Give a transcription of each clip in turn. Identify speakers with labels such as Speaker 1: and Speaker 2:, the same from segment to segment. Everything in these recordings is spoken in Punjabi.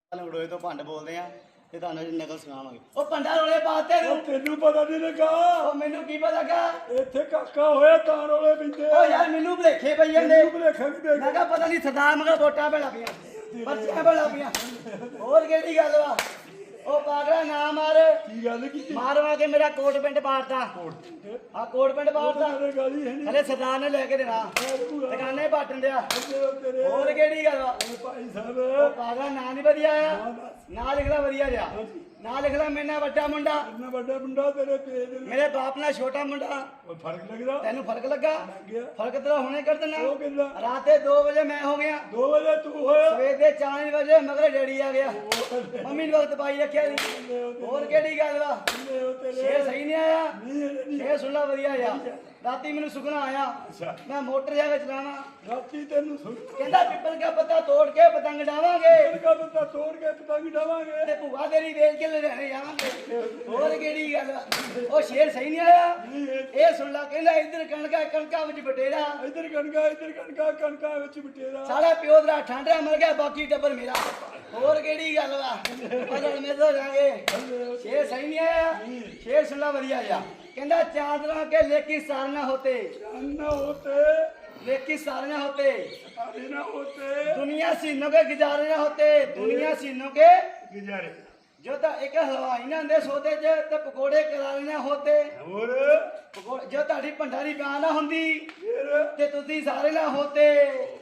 Speaker 1: ਲੰਗੜੋਏ ਤੋਂ ਭੰਡ ਬੋਲਦੇ ਆ ਤੇ ਤੁਹਾਨੂੰ ਜੀ ਨਕਲ ਸੁਣਾਵਾਂਗੇ। ਉਹ ਭੰਡਾ ਰੋਲੇ ਪਾਤੇ ਨੂੰ
Speaker 2: ਤੈਨੂੰ ਪਤਾ ਨਹੀਂ ਲੱਗਾ
Speaker 1: ਉਹ ਮੈਨੂੰ ਕੀ ਪਤਾ ਲੱਗਾ
Speaker 2: ਇੱਥੇ ਕਾਕਾ ਹੋਇਆ ਤਾਂ ਰੋਲੇ ਪੈਂਦੇ
Speaker 1: ਉਹ ਯਾਰ ਮੈਨੂੰ ਭੁਲੇਖੇ ਪਈ ਜਾਂਦੇ
Speaker 2: ਤੈਨੂੰ ਭੁਲੇਖਾ ਵੀ ਦੇ
Speaker 1: ਮੈਂ ਕਿਹਾ ਪਤਾ ਨਹੀਂ ਸਰਦਾਰ ਮਗਰ ਵੋਟਾਂ ਭੇਲਾ ਪਈਆਂ ਪਰਚੀਆਂ ਭੇਲਾ ਪਈਆਂ ਹੋਰ ਕਿਹੜੀ ਗੱਲ ਵਾ ਉਹ ਪਾਗਲਾ ਨਾ ਮਾਰ
Speaker 2: ਕੀ ਗੱਲ ਕੀਤੀ
Speaker 1: ਮਾਰਵਾ ਕੇ ਮੇਰਾ ਕੋਟ ਪਿੰਡ ਪਾੜਦਾ ਆ ਕੋਟ ਪਿੰਡ ਪਾੜਦਾ
Speaker 2: ਤੇਰੇ ਗਾਲੀ ਹੈ ਨਹੀਂ
Speaker 1: ਹਲੇ ਸਰਦਾਰ ਨੇ ਲੈ ਕੇ ਦੇਣਾ ਦੁਕਾਨੇ ਪਾਟਣ ਦਿਆ
Speaker 2: ਤੇਰੇ
Speaker 1: ਹੋਰ ਕਿਹੜੀ ਗੱਲ ਵਾ
Speaker 2: ਭਾਈ
Speaker 1: ਉਹ
Speaker 2: ਸਾਹਿਬ
Speaker 1: ਪਾਗਲਾ ਨਾਂ ਨਹੀਂ ਵਧੀਆ ਆ ਨਾਂ ਲਿਖਦਾ ਵਧੀਆ ਜਿਹਾ ਨਾਂ ਲਿਖਦਾ ਮੇਰੇ ਨਾਲ ਵੱਡਾ ਮੁੰਡਾ
Speaker 2: ਇੰਨਾ ਵੱਡਾ ਮੁੰਡਾ ਤੇਰੇ ਪੇਜ
Speaker 1: ਮੇਰੇ ਬਾਪ ਨਾਲ ਛੋਟਾ ਮੁੰਡਾ
Speaker 2: ਉਹ ਫਰਕ ਲੱਗਦਾ
Speaker 1: ਤੈਨੂੰ ਫਰਕ ਲੱਗਾ
Speaker 2: ਗਿਆ
Speaker 1: ਫਰਕ ਤੇਰਾ ਹੁਣੇ ਕਰ ਦੇਣਾ
Speaker 2: ਉਹ ਕਿੰਨਾ
Speaker 1: ਰਾਤ ਦੇ 2 ਵਜੇ ਮੈਂ ਹੋ ਗਿਆ
Speaker 2: 2 ਵਜੇ ਤੂੰ ਹੋਇਆ
Speaker 1: ਸਵੇਰ ਦੇ 4 ਵਜੇ ਮਗਰ ਡੈਡੀ ਆ ਗਿਆ ਮੰਮੀ ਨੇ ਵਕਤ ਪਾਈ ਰੱਖਿਆ ਨਹੀਂ ਹੋਰ ਕਿਹੜੀ ਗੱਲ ਵਾ ਸ਼ੇਰ ਸਹੀ ਨਹੀਂ ਆਇਆ ਸ਼ੇਰ ਸੁਣਨਾ ਵਧੀਆ ਆ ਰਾਤੀ ਮੈਨੂੰ ਸੁਪਨਾ ਆਇਆ
Speaker 2: ਅੱਛਾ
Speaker 1: ਮੈਂ ਮੋਟਰ ਜਾ ਕੇ ਚਲਾਵਾਂ
Speaker 2: ਰਾਤੀ ਤੈਨੂੰ ਸੁਣ
Speaker 1: ਕਹਿੰਦਾ ਪਿੱਪਲ ਦਾ ਪੱਤਾ ਤੋੜ ਕੇ ਪਤੰਗ ਡਾਵਾਂਗੇ
Speaker 2: ਕਾ ਬੰਦਾ ਤੋੜ ਕੇ ਪਤੰਗ ਡਾਵਾਂਗੇ
Speaker 1: ਤੇ ਭੂਆ ਤੇਰੀ ਵੇਚ ਕੇ ਲੁਧਿਆਣੇ ਜਾਵਾਂਗੇ ਹੋਰ ਕਿਹੜੀ ਗੱਲ ਵਾ? ਉਹ ਸ਼ੇਰ ਸਹੀ ਨਹੀਂ ਆਇਆ ਇਹ ਸੁਣ ਲਾ ਕਹਿੰਦਾ ਇੱਧਰ ਕਣਕਾਂ ਵਿੱਚ ਬਟੇਰਾ
Speaker 2: ਇੱਧਰ ਕਣਕਾਂ ਵਿੱਚ ਬਟੇਰਾ
Speaker 1: ਸਾਡਾ ਪਿਓ ਦਾ ਠਾਂਡਿਆ ਮਰ ਗਿਆ ਬਾਕੀ ਟੱਬਰ ਮੇਰਾ ਹੋਰ ਕਿਹੜੀ ਗੱਲ ਵਾ ਬਦਲ ਮੇ ਤੋਂ ਜਾਗੇ ਸ਼ੇਰ ਸਹੀ ਨਹੀਂ ਆਇਆ ਸ਼ੇਰ ਸੁਣਨਾ ਵਧੀਆ ਜਾ ਕਹਿੰਦਾ ਚਾਂਦਰਾ ਕੇ ਲੇਕੀ ਸਾਰਨਾ ਹੋਤੇ
Speaker 2: अन्ना होते
Speaker 1: लेकी सारना होते
Speaker 2: सारे ना होते
Speaker 1: दुनिया सीनों के गुजारे ना होते दुनिया सीनों के
Speaker 2: गुजारे
Speaker 1: जो तो एक हलवाई ना दे सोते जे ते पकोड़े करारे ना होते
Speaker 2: और
Speaker 1: जो ताड़ी भंडारी ब्याह ना हुंदी
Speaker 2: फिर
Speaker 1: ते तुसी सारे ना होते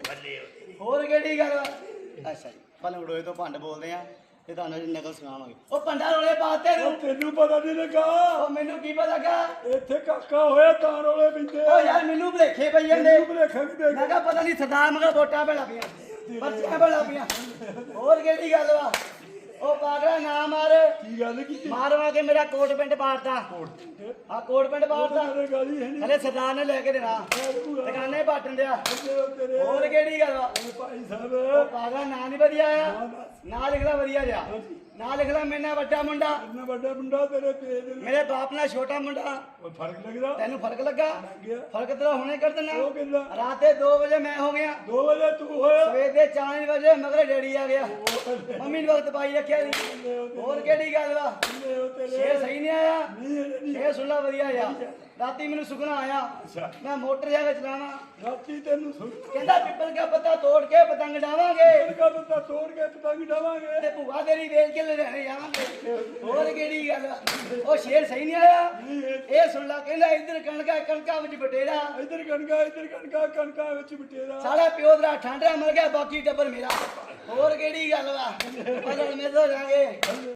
Speaker 1: ਹੋਰ ਕਿਹੜੀ ਗੱਲ ਅੱਛਾ ਜੀ ਪਲੰਗੜੋਏ ਤੋਂ ਭੰਡ ਬੋਲਦੇ ਆ ਤੇ ਤੁਹਾਨੂੰ ਜੀ ਨਕਲ ਸੁਣਾਵਾਂਗੇ। ਉਹ ਭੰਡਾ ਰੋਲੇ ਪਾਤੇ ਨੂੰ
Speaker 2: ਤੈਨੂੰ ਪਤਾ ਨਹੀਂ ਲੱਗਾ
Speaker 1: ਉਹ ਮੈਨੂੰ ਕੀ ਪਤਾ ਲੱਗਾ
Speaker 2: ਇੱਥੇ ਕਾਕਾ ਹੋਇਆ ਤਾਂ ਰੋਲੇ ਪੈਂਦੇ
Speaker 1: ਉਹ ਯਾਰ ਮੈਨੂੰ ਭੁਲੇਖੇ ਪਈ ਜਾਂਦੇ
Speaker 2: ਤੈਨੂੰ ਭੁਲੇਖਾ ਵੀ ਦੇ
Speaker 1: ਮੈਂ ਕਿਹਾ ਪਤਾ ਨਹੀਂ ਸਰਦਾਰ ਮਗਰ ਵੋਟਾਂ ਭੇਲਾ ਪਈਆਂ ਪਰਚੀਆਂ ਭੇਲਾ ਪਈਆਂ ਹੋਰ ਕਿਹੜੀ ਗੱਲ ਵਾ ਉਹ ਪਾਗਲਾ ਨਾ ਮਾਰ
Speaker 2: ਕੀ ਗੱਲ ਕੀਤੀ
Speaker 1: ਮਾਰਵਾ ਕੇ ਮੇਰਾ ਕੋਟ ਪਿੰਡ ਪਾੜਦਾ ਆ ਕੋਟ ਪਿੰਡ ਪਾੜਦਾ
Speaker 2: ਤੇਰੇ ਗਾਲੀ ਹੈ ਨਹੀਂ
Speaker 1: ਹਲੇ ਸਰਦਾਰ ਨੇ ਲੈ ਕੇ ਦੇਣਾ ਦੁਕਾਨੇ ਪਾਟਣ ਦਿਆ
Speaker 2: ਤੇਰੇ
Speaker 1: ਹੋਰ ਕਿਹੜੀ ਗੱਲ ਵਾ
Speaker 2: ਭਾਈ ਸਾਹਿਬ
Speaker 1: ਉਹ ਪਾਗਲਾ ਨਾਂ ਨਹੀਂ ਵਧੀਆ ਆ ਨਾਂ ਲਿਖਦਾ ਵਧੀਆ ਜਿਹਾ ਨਾਂ ਲਿਖਦਾ ਮੇਰੇ ਨਾਲ ਵੱਡਾ ਮੁੰਡਾ
Speaker 2: ਇੰਨਾ ਵੱਡਾ ਮੁੰਡਾ ਤੇਰੇ ਪੇਜ
Speaker 1: ਮੇਰੇ ਬਾਪ ਨਾਲ ਛੋਟਾ ਮੁੰਡਾ
Speaker 2: ਉਹ ਫਰਕ ਲੱਗਦਾ
Speaker 1: ਤੈਨੂੰ ਫਰਕ ਲੱਗਾ
Speaker 2: ਗਿਆ
Speaker 1: ਫਰਕ ਤੇਰਾ ਹੁਣੇ ਕਰ ਦੇਣਾ
Speaker 2: ਉਹ ਕਿੰਨਾ
Speaker 1: ਰਾਤ ਦੇ 2 ਵਜੇ ਮੈਂ ਹੋ ਗਿਆ
Speaker 2: 2 ਵਜੇ ਤੂੰ ਹੋਇਆ
Speaker 1: ਸਵੇਰ ਦੇ 4 ਵਜੇ ਮਗਰ ਡੈਡੀ ਆ ਗਿਆ ਮੰਮੀ ਨੇ ਵਕਤ ਪਾਈ ਰੱਖਿਆ ਨਹੀਂ ਹੋਰ ਕਿਹੜੀ ਗੱਲ ਵਾ ਸ਼ੇਰ ਸਹੀ ਨਹੀਂ ਆਇਆ ਸ਼ੇਰ ਸੁਣਨਾ ਵਧੀਆ ਆ ਰਾਤੀ ਮੈਨੂੰ ਸੁਪਨਾ ਆਇਆ
Speaker 2: ਅੱਛਾ
Speaker 1: ਮੈਂ ਮੋਟਰ ਜਾ ਕੇ ਚਲਾਵਾਂ
Speaker 2: ਰਾਤੀ ਤੈਨੂੰ ਸੁਣ
Speaker 1: ਕਹਿੰਦਾ ਪਿੱਪਲ ਦਾ ਪੱਤਾ ਤੋੜ ਕੇ ਪਤੰਗ ਡਾਵਾਂਗੇ
Speaker 2: ਕਾ ਬੰਦਾ ਤੋੜ ਕੇ ਪਤੰਗ ਡਾਵਾਂਗੇ
Speaker 1: ਤੇ ਭੂਆ ਤੇਰੀ ਵੇਚ ਕੇ ਲੁਧਿਆਣੇ ਜਾਵਾਂਗੇ ਹੋਰ ਕਿਹੜੀ ਗੱਲ ਵਾ? ਉਹ ਸ਼ੇਰ ਸਹੀ ਨਹੀਂ ਆਇਆ ਇਹ ਸੁਣ ਲਾ ਕਹਿੰਦਾ ਇੱਧਰ ਕਣਕਾਂ ਵਿੱਚ ਬਟੇਰਾ
Speaker 2: ਇੱਧਰ ਕਣਕਾਂ ਵਿੱਚ ਬਟੇਰਾ
Speaker 1: ਸਾਡਾ ਪਿਓ ਦਾ ਠਾਂਡਿਆ ਮਰ ਗਿਆ ਬਾਕੀ ਟੱਬਰ ਮੇਰਾ ਹੋਰ ਕਿਹੜੀ ਗੱਲ ਵਾ ਬਦਲ ਮੇ ਤੋਂ ਜਾਗੇ